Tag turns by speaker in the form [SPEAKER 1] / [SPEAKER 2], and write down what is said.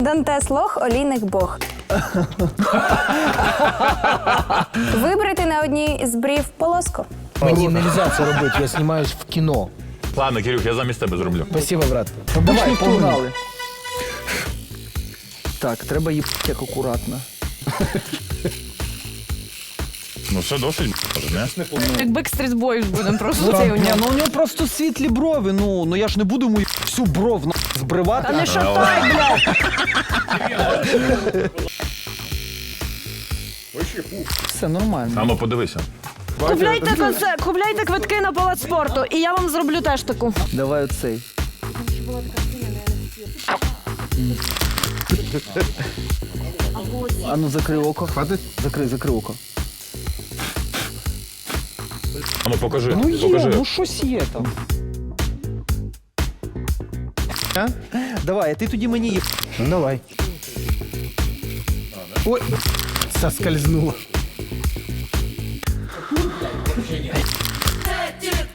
[SPEAKER 1] Дантес лох, олійник бог. Вибрати на одній з брів полоску.
[SPEAKER 2] Мені не можна це робити, я знімаюсь в кіно.
[SPEAKER 3] Ладно, Кирюх, я замість тебе зроблю.
[SPEAKER 2] Спасибо, брат.
[SPEAKER 4] Давай, погнали. Так, треба їбати як акуратно.
[SPEAKER 3] Ну все досить, може, не?
[SPEAKER 5] Як Backstreet Boys будемо просто цей у
[SPEAKER 4] Ні,
[SPEAKER 5] нього.
[SPEAKER 4] ну у нього просто світлі брови, ну я ж не буду йому всю бров збривати.
[SPEAKER 5] Та не шатай, блядь!
[SPEAKER 4] Все нормально.
[SPEAKER 3] А ну подивися.
[SPEAKER 5] Купляйте квитки на палац спорту, і я вам зроблю теж таку.
[SPEAKER 4] Давай оцей. А ну закрий око. Хватить? Закрий око.
[SPEAKER 3] А ну покажи,
[SPEAKER 4] Ну є,
[SPEAKER 3] покажи.
[SPEAKER 4] ну щось є там. А? Давай, а ти тоді мені їб.
[SPEAKER 2] Ну давай. Ой, соскользнуло.